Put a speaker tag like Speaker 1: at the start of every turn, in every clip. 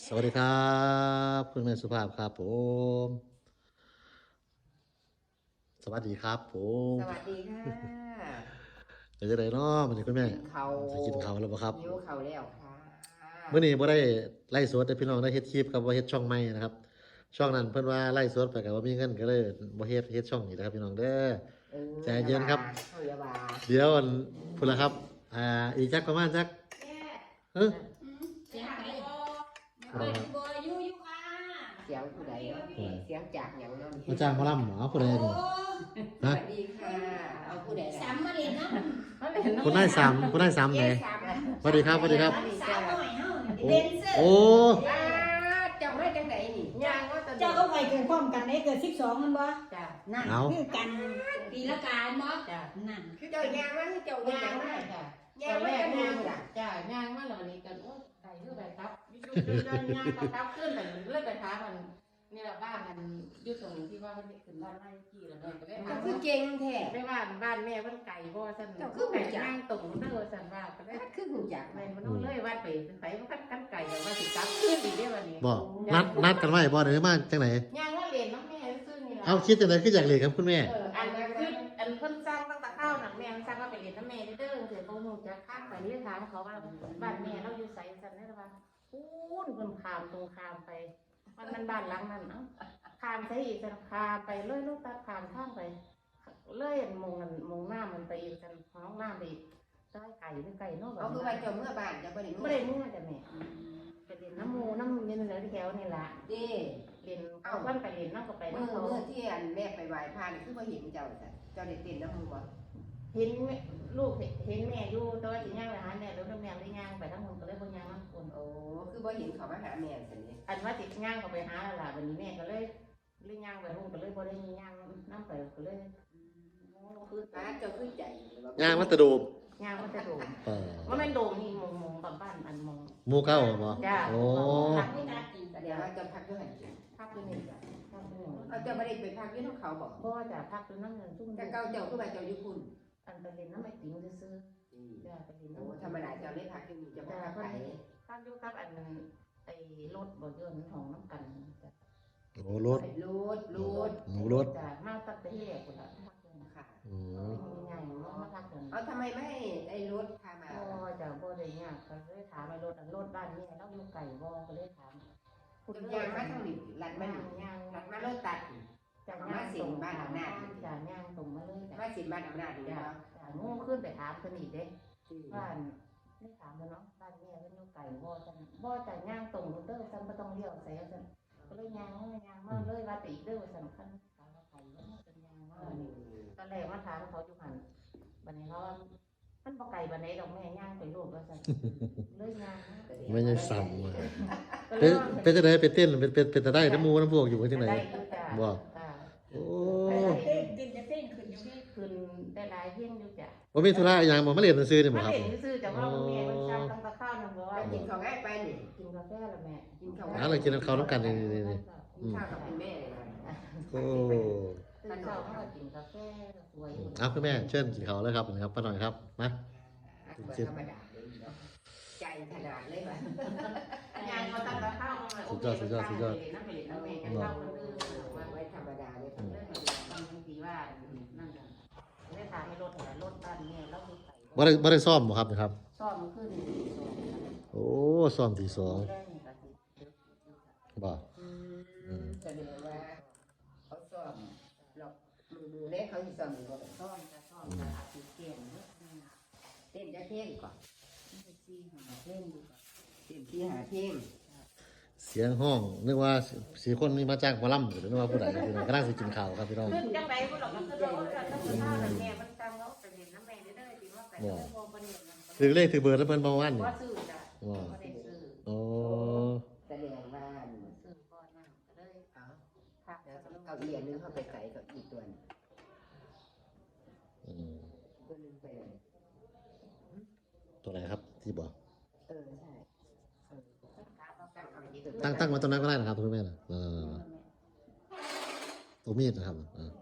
Speaker 1: สวัสดีครับคุณแม่สุภาพครับผมสวัสดีครับผม
Speaker 2: สวัสดีค่ะ
Speaker 1: เดี๋ยวจะได้เนาะมันนี้คุณแม่
Speaker 2: กินเขา
Speaker 1: จะกินข้าวแล้วบ่ครับ
Speaker 2: หิวเขาแล้วค่ะ
Speaker 1: เมื่อนี้บ่ได้ไล่สดแต่พี่น้องได้เฮ็ดคลิปครับว่าเฮ็ดช่องใหม่นะครับช่องนั้นเพิ่นว่าไล่สดไปก็บ่มีเงินก็เลยบ่เฮ็ดช่องนี้นะครับพี่น้องเด้อ
Speaker 2: เออ
Speaker 1: ใจเย็นครับ
Speaker 2: เขาอย่าว่า
Speaker 1: เดี๋ยวอันพุ่นละครับอีกจักประมาณจักเอ้อ
Speaker 3: เสียงไก่บ่ไม่เปิดบ่อยู่ค่ะ
Speaker 2: เสียงผู้ใดเนาะเสียงจากอย่างเนั้น
Speaker 1: มาจ้างหมอลำเอาผู้ใด
Speaker 3: โอ้
Speaker 1: นี่
Speaker 2: ส
Speaker 1: ฮะ
Speaker 2: วัสดีค่ะเอาผู้ใด
Speaker 3: สามมาเล่นน้ำ
Speaker 1: คุณนายสามคุณนายสามไหนสวัสดีครับสวัสดีครับ
Speaker 3: สาวหน่อยเฮา
Speaker 1: โอ้
Speaker 3: เล่นเสื้อ
Speaker 1: โอ้
Speaker 2: จำได้จังไหนนี่ย่างว่าตอน
Speaker 4: เจ้าก็ไปเกิดพร้อมกันได้เกิด12มันบ่
Speaker 2: จ้ะ
Speaker 4: นั่น
Speaker 1: เอา
Speaker 4: คือกัน
Speaker 3: ปีละกาเนาะ
Speaker 2: จ้ะ
Speaker 4: นั่น
Speaker 2: คือเจ้าย่างว่าคือเจ้าย่างว่า
Speaker 5: จ้ะ
Speaker 2: ย่างว่าจะย่างจ้ะ
Speaker 5: จ้ะย่างมาแล้ววันนี้กันโอ้ไก่เพื่อไปครับยุดย่างครับขึ้นไปเรื่อยไปท้ามันนี่แหละบ้านมันยุดตรงที่ว่ามันขึ้นบ้านไร่ที่แล้วเนี่ยก็ได้
Speaker 2: ก็
Speaker 5: ถาม
Speaker 2: คือ
Speaker 5: ว่า
Speaker 2: เก่งแท้
Speaker 5: ได้ว่าบ้านแม่มันไก่บ่สั่นไก่ย่างตรงเด้อสั่นว่าก็ได้
Speaker 2: คือหูจัก
Speaker 5: แม่มันต้องเลยว่าไปเป็นไผมันกันไก่แต่ว่าสิจับขึ้นอีกเด้อวันนี้
Speaker 1: บ่นัดกันไว้บ่ได้มาจังไหน
Speaker 5: ย่างว่าเรียนน้องแม่ซื่อนี่ล่ะ
Speaker 1: เอาคิดจังไดคืออยากเรียนครับคุณแม่
Speaker 5: อันนั้นคืออันเพิ่นสร้างตั้งแต่ข้าวหนังแม่มันสร้างว่าไปเรียนน้ำแม่เด้อคือเขาคงจะข้ามไปเรียนถามเขาว่าบ้านแม่เราอยู่ไสสั่นได้ว่าพูนเพิ่นข้ามตรงข้ามไปมันบ้านหลังนั้นเนาะข้ามไปอีกสั่นข้ามไปเลยลูกตัดข้ามข้ามไปเลยมงหน้ามันไปอีกสั่นห้องน้ำไปอีกใต้ไก่หรือไก่นอก
Speaker 2: เอาคือว่าเจ้าเมื่อบ้านเจ้าบ่ได้
Speaker 5: ไม่ได้เมื่อจ้ะแม่ไปเรียนน้ำมูน้ำเย็นเลยที่แถวนี่ล่ะ
Speaker 2: เด้
Speaker 5: เรียนเขาเพิ่นไปเรียนน้ำก็ไป
Speaker 2: เมื่อ
Speaker 5: น้ำเขา
Speaker 2: ที่อันแม่ไปไหว้พระนี่คือบ่เห็นเจ้าจ้ะเจ้าได้เต้นน้ำมือบ่
Speaker 5: เห็นลูกเห็นแม่อยู่แต่ว่าสิย่างไปหาแม่แล้วแม่ได้ย่างไปทั้งหมดก็เลยบ่ย่างน้ำคน
Speaker 2: โอ้คือบ่เห็นเขามาหาแม่ซั่นนี่
Speaker 5: อันว่าติดย่างก็ไปหาแล้วล่ะวันนี้แม่ก็เลยย่างไปหุ่นก็เลยบ่ได้ย่างน้ำไปก็เลยคือ
Speaker 2: ป้าเจ้าคือใจ
Speaker 1: ย่างมัตะโดม
Speaker 5: ย่างมันจะโดม
Speaker 1: เออ
Speaker 5: ว่ามันโดมนี่มงบ้านอันมง
Speaker 1: หมู่เก้าบ่
Speaker 5: จ้า
Speaker 1: โอ้
Speaker 5: พักไม่ได้กิน
Speaker 2: แสดงว่าเจ้าพักอยู่หั่น
Speaker 5: พักอยู่นี่จ้ะพักอยู่นี่
Speaker 2: เอาเจ้าบ่ได้ไปพักอยู่นำเขาบ่
Speaker 5: บ่จ้ะพักอยู่น้ำเงินชุ่ม
Speaker 2: แต่เก่าเจ้าคือว่าเจ้าอยู่พุ่น
Speaker 5: อันไปเล่นน้ำไอติมซื้อจ้ะไปเล่น
Speaker 2: โอ้
Speaker 5: น้ำ
Speaker 2: ธรรมดาเจ้าได้พักอยู่นี่เจ้าบ่พักไป
Speaker 5: พักอยู่กับอันไอ้รถบ่ยนต์ของน้ำกันจ้ะ
Speaker 1: โหรถ
Speaker 2: รูด
Speaker 1: หมูรถ
Speaker 5: จ้ะมาตั้งแต่ที่แรกคนละพักเลยนะ
Speaker 2: ค่ะ
Speaker 1: อืม
Speaker 5: ใหญ่มาพักเลย
Speaker 2: เอาทำไมไม่ให้ไอ้รถพามา
Speaker 5: บ่จ้ะบ่ได้ยากก็เลยถามไอ้รถอันรถบ้านนี่เราอยู่ไก่บ่ก็เลยถาม
Speaker 2: คุณยางมาทางนี้ลัดมานี่
Speaker 5: ย่าง
Speaker 2: ลัดมารถตัด
Speaker 5: จากย่างตรงบ้านอำนาจจ้ะย่างตรงมาเลยจ้ะ
Speaker 2: มาสิบ้านอำนาจนี่
Speaker 5: จ้ะ
Speaker 2: เนาะ
Speaker 5: จ้ะงูขึ้นไปถามเพิ่นอีกเด้บ้านไม่ถามเพิ่นเนาะบ้านแม่เพิ่นอยู่ไก่บ่จังบ่จ้ะย่างตรงเด้อซั่นบ่ต้องเลี้ยวใส่ซั่นก็เลยย่างมาเลยว่าติเด้อสำคัญถามว่าไก่ว่าเป็นย่างมานี่ตอนแรกมาถามเขาอยู่หั่นบัดนี้เขาว่ามันบ่ไก่บัดไหนดอกแม่ย่างไปรูปว่าซั่นเลยย่าง
Speaker 1: ไม่ใช่ซ้ำว่ะ
Speaker 5: ก็เล
Speaker 1: เป็น
Speaker 5: ย
Speaker 1: จังไดไปเต้นเป็นตะได้น้ำหมูน้ำพวกอยู่จังได
Speaker 5: ได้อยู่จ้ะ
Speaker 1: บ่
Speaker 5: จ้ะ
Speaker 1: โอ้
Speaker 4: เต้นกินจะเต้นขึ้นอยู่ที่
Speaker 5: คืนได้หลายเที่ยงอยู่จ้ะ
Speaker 1: บ่มีธุระอีหยังบ่มาเรียนหนังสือนี่บ่
Speaker 5: มา
Speaker 1: ครับ
Speaker 5: เห็นซื่อแต่ว่าแม่มันสั่งตั้งแต่ข้าวนึงบอกว่า
Speaker 2: ไปกินข้าวง่ายไปนี่
Speaker 5: กินกาแฟแล้วแม่
Speaker 2: กินข้าว
Speaker 1: หาอะไรกินข้าวน้ำกันนี่
Speaker 2: กินข้าวกับคุณแม่เลยนะ
Speaker 1: โอ้
Speaker 5: ตื่นเช้าเขาก็กินกาแฟสวยอยู่
Speaker 1: เอาคุณแม่เชิญกินข้าวเลยครับป้าหน่อยครับมา
Speaker 2: ธรรมดาเลยเนาะใจขนาดเลยว่ะ
Speaker 5: งานเขาตั้งแต่ข้าวมานั่งไปเล่นน้ำแม่กันข้าวคนอื่นมา
Speaker 2: ไว้ธรรมดาเลย
Speaker 5: เรื่องบางทีว่านั่นกันได้ถามให้รถรถบ้านเนี่ยเราดูไป
Speaker 1: บ่ได้ซ่อมบ่ครับนะครับ
Speaker 5: ซ่อมขึ้น
Speaker 1: โอ้ซ่อมที่สอง
Speaker 5: แรกนี่ก็สิ
Speaker 1: บ่
Speaker 2: แสดงว่าเขาซ่อมหรอกมือเล็กเขาสิซ่อมอยู่บ่
Speaker 5: ซ่อมจะซ่อมจะอาจจะเกี่ยงเยอะ
Speaker 2: เต้นจะเท่งก่อน
Speaker 5: ซีหาเล่นดูก่อน
Speaker 2: เต้นที่หาเท่ง
Speaker 1: เสียงห้องนึกว่าสี่คนนี้มาจ้างหมอลำนึกว่าผู้ใดพี่น้องกำลังสิกินข้าวครับพี่น้อง
Speaker 5: ขึ้นจังไรพวกเราก็คือเราก็ต้องข้าวแม่มันจำเขาไปเห็นน้ำแม่ได้จริงว่าแต่ไม่พอประเด็นมัน
Speaker 1: ถือเลขถือเบอร์แล้วเพิ่นบ่วันนี่
Speaker 5: ว่าซื้อจ้ะไม่ได้ซื้อ
Speaker 1: โอ้
Speaker 2: แสดงว่า
Speaker 5: ซื้อก้อนน้ำก็เลย
Speaker 2: เอา
Speaker 5: ผัก
Speaker 2: แล้วเก้าอี้อันนึงเข้าไปใส่เก้าอี้ตัวนึง
Speaker 1: อืม
Speaker 2: ตัวนึงไปเลย
Speaker 1: ตัวไหนครับที่บอก
Speaker 2: ใช่
Speaker 1: ตั้งมาตรงนั้นก็ได้นะครับคุณแม่นะตัวมีดนะครับ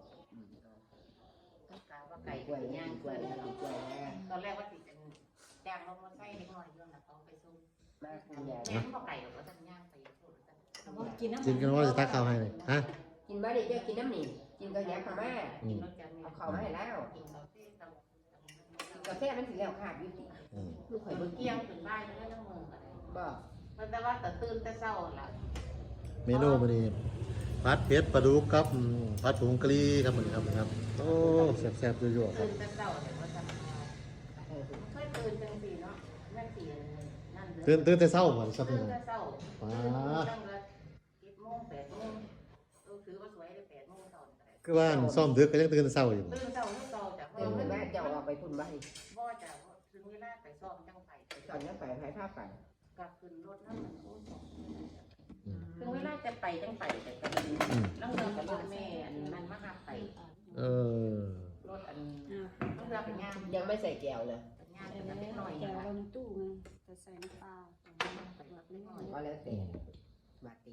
Speaker 5: ไก่
Speaker 2: กล้วย
Speaker 5: ย่าง
Speaker 2: กล้วยกล้วย
Speaker 5: ตอนแรกว่าติดเป็นจ้างลงมาใส่เล็กน้อยเรื่องนะเขาไปซุ่ม
Speaker 2: มาคุณยาย
Speaker 5: แม่เขาไก่กับว่าท่านย่างไปพูดกัน
Speaker 4: เอาบ่กินน้ำ
Speaker 1: กินกันว่าจะตักข้าวให้เลยฮะ
Speaker 2: กินบ้าดิเจ้ากินน้ำหนีกินกระแยบข้าวแม่
Speaker 1: อืม
Speaker 2: เอาข้าวมาให้แล้ว
Speaker 5: กินกาแฟ
Speaker 2: กินกาแฟมันถึงแล้วขาดยุติ
Speaker 1: อืม
Speaker 2: ลูกข่อยเบิ่ง
Speaker 5: เกี่ยงถึงบ้านไม่ต้องมืออะไร
Speaker 2: บ่
Speaker 5: แต่ว่าแต่ตื่นแต่เช้าละ
Speaker 1: เมนูมื้อนี้ผัดเผ็ดปลาดุกครับผัดผงกะหรี่ครับมื้อนี้ครับนะครับโอ้แซ่บๆยั่วๆครั
Speaker 5: ตื่
Speaker 1: บ
Speaker 5: นแต่เช้าเนี่ยว่าจะเคยตื่นจังสี่เนาะแม่สี่นั่นเด้อ
Speaker 1: ตื่นแต่เช้าบ่ครับ
Speaker 5: ตื่
Speaker 1: นี่
Speaker 5: นแต่เช้า
Speaker 1: ป้า
Speaker 5: ตั้งแต่7:00 8:00ถือว่าสวยได้8:00ตอน
Speaker 1: คือว่าซ่อมดึกก็ยังตื่นแต่เช้าอยู่บ่
Speaker 5: ตื่นเช้าเช้าจาก
Speaker 2: เดี๋ยวเพิ่นว่าจะออกไปพุ่นบ้าดิ
Speaker 5: บ่จะถึงเวลาไปซ้อมจังไป
Speaker 2: ตอนนี้ไปไผผ้าไป
Speaker 5: กลับขึ้นรถนั่นมันโอ้สอง
Speaker 1: อืม
Speaker 5: ถึงเวลาจะไปจังไปแต่ก็
Speaker 1: อืม
Speaker 5: แล้วเงินกับรถแม่อันนั้นมาหาไป
Speaker 1: เออ
Speaker 5: รถอัน
Speaker 4: อ่า
Speaker 5: ต้องเรือเป็นงาน
Speaker 2: ยังไม่ใส่แก้วเลย
Speaker 5: เป็นงาน
Speaker 4: เดี๋
Speaker 5: เป็
Speaker 4: ยวน
Speaker 5: เล็กหน่อย
Speaker 4: จะ
Speaker 5: นะ
Speaker 4: เอาลงตู้ไงจะใส่น้ำปลา
Speaker 5: ไปรถเล็กหน่อย
Speaker 2: ก็แล้วแต่มาติด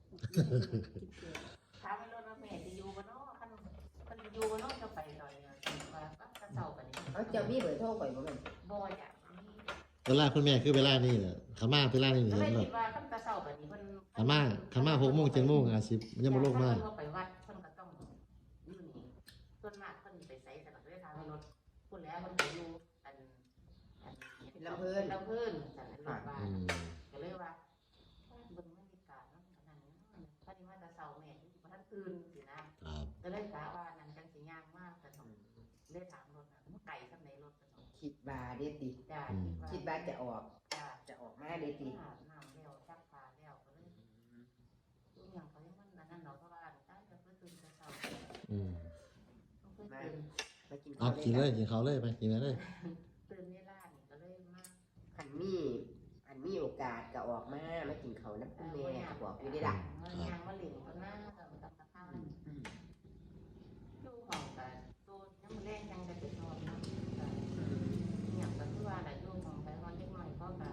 Speaker 5: ถามให้รถว่าแม่จะอยู่บ่เนาะคันจะอยู่บ่เนาะจะไปหน่อยว่าก็กระเซากันนี่
Speaker 2: เอาเจ้ามีเบอร์โทรข่อยบ่แม่น
Speaker 5: บ่อยอ่ะ
Speaker 1: เวลาคุณแม่คือเวลานี้แหละขามาเวลานี้
Speaker 5: ก็
Speaker 1: เห็
Speaker 5: เล
Speaker 1: น
Speaker 5: ย
Speaker 1: บ่
Speaker 5: คิดว่าคันกระเซากันนี่เพิ่น
Speaker 1: ขามา6โมง7โมงอาจสิยังบ่ลงมา
Speaker 5: เพิ่นไปวัดเพิ่นก็ต้องอยู่นี่ส่วนมากเพิ่นไปไสแต่ก็เลยถามให้รถพูดแล้วเพิ่นไปอยู่อันลำเพิ่นสั่นรถบ้าน
Speaker 1: อืม
Speaker 5: ก็เลยว่าเบิ่งบรรยากาศเนาะขนาดนี้พอดีมาแต่เช้าแม่อยู่บ่ทันตื่นสินะครับ ก็เลยกะว่านั่นจังสิย่างมากแต่ต้องเลยถามรถน่ะไก่ซำใดรถก็ต้อง
Speaker 2: คิดบาเด้ติ
Speaker 5: จ้า
Speaker 2: คิดบาจะออก
Speaker 5: จ้า
Speaker 2: จะออกมาเด้ติ
Speaker 5: อาบน้ำแล้วซักผ้าแล้วก็เลยทุกอย่างเขายังมันนั่นเนาะเพราะว่าได้ก็คือตื่นแต่เช้า
Speaker 1: อืม
Speaker 5: ต้องตื่น
Speaker 2: มากิน
Speaker 1: เอากินเลยกินเขาวเลยไปกินเลย
Speaker 5: ตื่นเวลานี่ก็เลยมา
Speaker 2: อันมีโอกาสก็ออกมากินข้าวน้ำคุณแม่บอกอยู่ได้ล่ะ
Speaker 5: มันย่างมาเล่นก็น่าก็ตักตะข้าวอยู่ห้องก็ตัวยังแรงยังจะไปนอนเนาะอย่างก็คือว่าแหละอยู่ห้องไปนอนเล็กน้อยก็ก็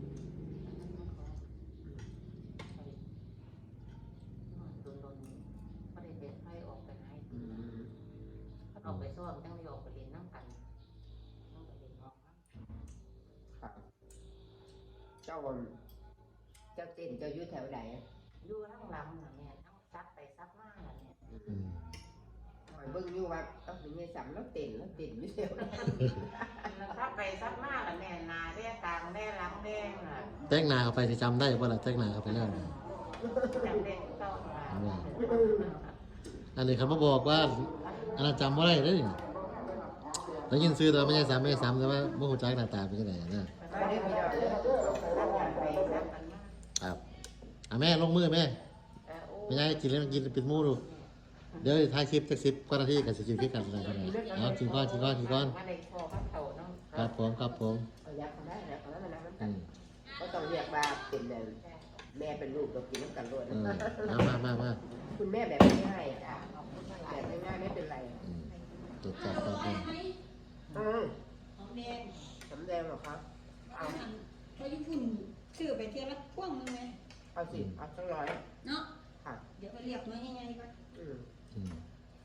Speaker 5: โดนก็ได้เป็นไฟออกไปไหนถ้าออกไปซ้อมจังไม่ออกไปเล่นน้ำกันต้องไปเล่นออกนะครับ
Speaker 2: เจ้าเต้นเจ้าอยู่แถวไหน
Speaker 5: อยู่ทั้งลำน่ะแม่ทั้งซับไปซับมาน่ะเนี่ย
Speaker 1: อืม
Speaker 2: คอยเบิ่งอยู่ว่าต้องมีเงี้ยสำแล้วเต้นอยู่แถวไหน
Speaker 5: ซับไปซับมาน่ะแม่นาแด้กลางแด้หลังแด้น่ะ
Speaker 1: แต่งหน้าเข้าไปสิจำได้บ่ล่ะแต่งหน้าเข้าไปแล้ว
Speaker 5: จำได้ทุกต้องว่า
Speaker 1: อันนี้เขามาบอกว่าอันนั้นจำบ่ได้เด้ได้ยินชื่อแต่ว่าไม่ใช่ซ้ำแต่ว่าบ่ฮู้จักหน้าตาเป็นจังไดนะ
Speaker 2: มาเด้อพี่น้องเด้อ
Speaker 5: ซับกันไปซับกันมา
Speaker 1: ครับอ่ะแม่ลงมือแม่
Speaker 5: โอ้
Speaker 1: ไม่ใช่กินแล้วกินเป็นหมู่ดูเดี๋ยวถ่ายคลิปจัก10กว่านาทีก็สิกินคือกันแล้วกันเอากินก่อน
Speaker 5: มาได้พอพักเข่าเนาะ
Speaker 1: ครับผม
Speaker 2: เอายักษ์เขาได้นะเขาได้นะมัน
Speaker 1: อืม
Speaker 2: ก็ต้องเรียกว่าเป็นแม่เป็นลูกเรากินน้ำกันรวด
Speaker 1: มา
Speaker 2: คุณแม่แบบง่ายๆจ้ะแบบง่ายๆไม่เป็นไร
Speaker 1: อืมตรวจจับครับผม
Speaker 4: ของแดง
Speaker 2: สำแดงเหรอครับ
Speaker 4: เอาเขาญี่ปุ่นซื้อไปเที่ยวละพ่วงนึงไง
Speaker 2: เอาสิเอาสักร้อย
Speaker 4: เนาะ
Speaker 2: ค่ะ
Speaker 4: เดี๋ยวไปเรียกน้อยยังไงก่อน
Speaker 2: อืม
Speaker 1: อืม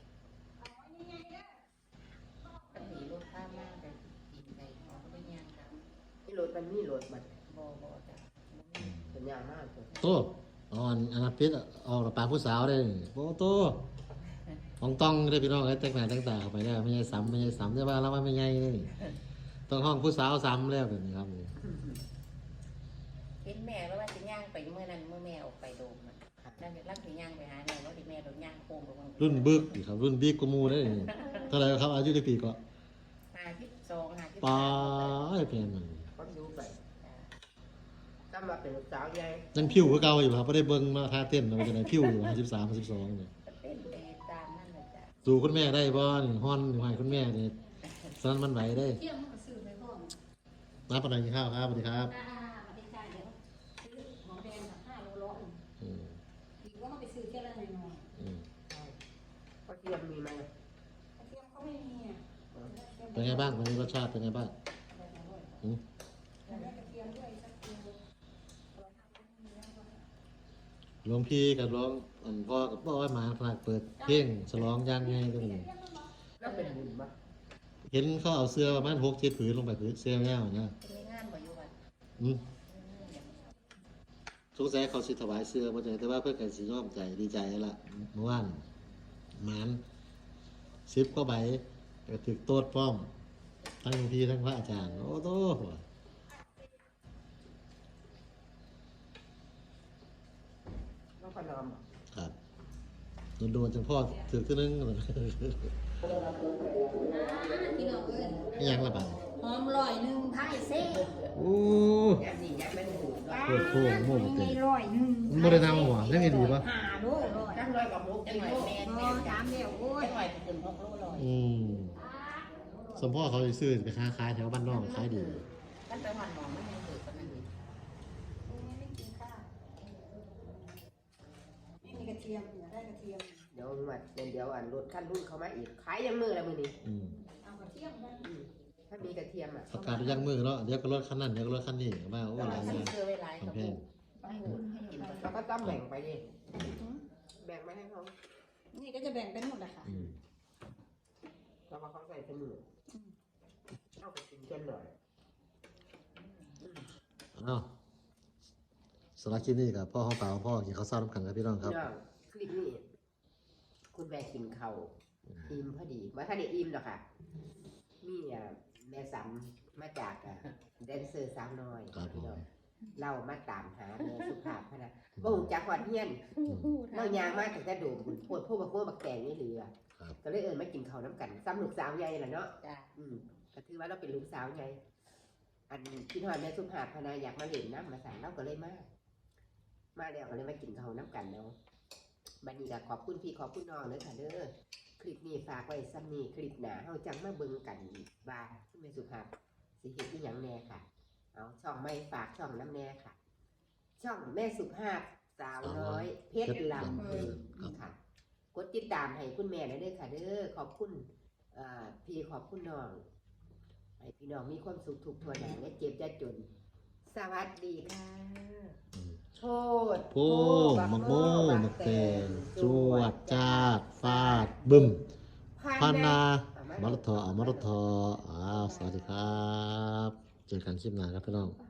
Speaker 5: กันหนีรถข้ามมากแต่กินไปเขาก็ไม่ย่างกัน
Speaker 2: นี่รถมันมีรถมัน
Speaker 5: บ่จ้ะ
Speaker 2: เป็นยางมากเลย
Speaker 1: โตอ่อนอันนั้นพิษออกปากผู้สาวได้โอ้โตของต้องได้พี่น้องไอ้แต่งหน้าแต่งตาเข้าไปแล้วไม่ใช่ซ้ำได้ว่าแล้วว่าไม่ใช่นี่ต้องห้องผู้สาวซ้ำแล้วแบบนี้ครับ
Speaker 5: เห็นแม่แล้วว่าจะย่างไปเมื่อนั้นเมื่อแม่ออกไปโดมมันแล้วรักถึงย่างไปหาแม่ว่าที่แม่โดนย่างโค้งไปบ้าง
Speaker 1: รุ่นบึกดิครับรุ่นบิ๊กกว่าหมูได้นี่เท่าไหร่ครับอายุได้ปีก็
Speaker 5: 52
Speaker 1: ป้าไอ้เพียนมัน
Speaker 2: ก็ดูไปถ้ามาเป็นสาวใหญ่
Speaker 1: ยังผิวคือเก่าอยู่ครับไม่ได้เบิ่งมาท่าเต้นมันจะไหนผิวอยู่53 52เนี่ย
Speaker 5: เป็นไปตามนั่นแหละจ้ะ
Speaker 1: สู่คุณแม่ได้บ่นี่ฮ้อนอยู่ให้คุณแม่นี่สนั้นมันไหวได้
Speaker 4: เที่ยวมันก็ซื้อไปพ่อม
Speaker 1: มาปานใดกินข้าวครับสวัสดีครับ
Speaker 4: มาได้จ่ายเดี๋ยวซื้อของแดง5 โลร้อย
Speaker 1: อืม
Speaker 4: อีกว่าไปซื้อเที่ยวละหน่อย
Speaker 1: อืม
Speaker 2: ก็เทียมมีไหม
Speaker 4: เที่ยวเขาไม่มีอ่ะ
Speaker 1: เป็นไงบ้างวันนี้รสชาติเป็นไงบ้างอืม
Speaker 4: แล้วกระเทียมด้วยสักเทียม
Speaker 1: หลวงพี่กับหลวงพ่อกับพ่อไว้มาขนาดเปิดเพลงฉลองย่างไงก็มี
Speaker 2: แล้วเป็นบุญปะ
Speaker 1: เห็นเขาเอาเสื้อประมาณ6-7ผืนลงไปผืนเสื้อแมวนะ
Speaker 5: เป็นงานบ่อยู่วัด
Speaker 1: อืมสงสัยเขาสิถวายเสื้อบ่ได้แต่ว่าเพิ่นก็สิยอมใจดีใจละเมื่อวานหมาน10กว่าใบก็ถึกโตดพร้อมทั้งหลวงพี่ทั้งพระอาจารย์โอ้โต
Speaker 2: แล้วก็นอม
Speaker 1: ครับโดนๆจังพ่อถือขึ้นนึง
Speaker 4: พี่น้องเอ้ย
Speaker 1: ไม่ยังละบาด
Speaker 4: หอมลอยหนึ่งไทยเซ่
Speaker 1: โอ้
Speaker 2: ยัดนี่ยัดไม่ถูก
Speaker 1: ปวดโค้งโม่บ่
Speaker 4: ไม่
Speaker 1: เต็ม
Speaker 4: ลอยหนึ่ง
Speaker 1: มันบ่ได้ทำหัวได้ไงดีปะ
Speaker 4: หาโลลอย
Speaker 2: ตั้งร้อยกับมุก
Speaker 5: จั
Speaker 2: จั
Speaker 5: ง
Speaker 2: ง
Speaker 5: ห
Speaker 2: ห
Speaker 5: วะ
Speaker 2: วะ
Speaker 5: แม่
Speaker 4: พ
Speaker 5: แม่
Speaker 4: อถามเดียวโอ้ย
Speaker 5: จังหวะจะขึ้น6 โลลอย
Speaker 1: สมพ่อเขาสิซื้อไปค้าขายแถวบ้านนอกขายดี
Speaker 5: กันไปหวันหมองมันยังถือกันนั่น
Speaker 4: ไม่กินข้าวไม่มีกระเทียมอยากได้กระเทียม
Speaker 2: เดี๋ยวมาเดี๋ยวอันรถขั้นรุ่นเขามาอีกขายยังมือละมือนี้
Speaker 1: อืม
Speaker 4: เอากระเทียมได้
Speaker 2: ถ้ามีกระเทียมอ่ะ
Speaker 1: ประกาศไปยังมือเนาะเดี๋ยวก็รถคันนั้นเดี๋ยวก็รถคันนี้ว่าโอ้หลายอ
Speaker 5: ฉัน
Speaker 1: ย่าง
Speaker 5: ซื้อไว้หลาย
Speaker 1: ข
Speaker 5: ก
Speaker 1: อง
Speaker 5: ระ
Speaker 1: แพ
Speaker 5: ปุ
Speaker 1: ง
Speaker 5: กไปให้คุณให้อยู่ไป
Speaker 2: เราก็ต้องแบ่งไปดิแบ่งมาให้เขา
Speaker 4: นี่ก็จะแบ่งเป็นหมดแหละค่ะ
Speaker 1: อืม
Speaker 2: แล้วก็เขาใส่เสมอเอาไปกินกันหน่อย
Speaker 1: อ้าวสำหรับคลิปนี้กับพ่อของเปล่าพ่อกินข้าวเช้าน้ำขันกับพี่น้องครับ
Speaker 2: พี่น้องคลิปนี้คุณแม่กินข้าวอิ่มพอดีว่าถ้าได้อิ่มหรอกค่ะมีแม่สัมมาจากแดนเซอร์สาวน้อย
Speaker 1: ครับผม
Speaker 2: พี่น้องเรามาตามหาแม่สุภาพพนะบ่ฮู้จักฮอดเฮียนเรายางมาตั้งแต่โดมบุญโพดพวกบักโพดบักแตงนี่เหลือ
Speaker 1: ครับ
Speaker 2: ก็เลยมากินข้าวน้ำกันซ้ำลูกสาวใหญ่ล่ะเนาะ
Speaker 5: จ้า
Speaker 2: ก็ถือว่าเราเป็นลูกสาวใหญ่อันพี่น้อยแม่สุภาพพนะอยากมาเล่นน้ำมาสั่งเราก็เลยมาแล้วก็เลยมากินข้าวน้ำกันเนาะบัดนี้ก็ขอบคุณพี่ขอบคุณน้องเลยค่ะเด้อคลิปนี้ฝากไว้ซ้ำนี้คลิปหน้าเฮาจังมาเบิ่งกันว่าแม่สุภาพสิเฮ็ดอีหยังแน่ค่ะเอาช่องไม่ฝากช่องน้ำแน่ค่ะ ช่องแม่สุภาพสาวน้อยเพชรลำเพลินค่ะกดติดตามให้คุณแม่ได้เด้อค่ะเด้อขอบคุณพี่ขอบคุณน้องให้พี่น้องมีความสุขทุกทั่วหน้าและเจ็บจะจน สวัสดีค่ะโทษ
Speaker 1: โป้มักโม่มักแตงจวดจาดฟาดบึ้มพันนามรทอมรทออ้าวสวัสดีครับ เจอกันคลิปหน้าครับพี่น้อง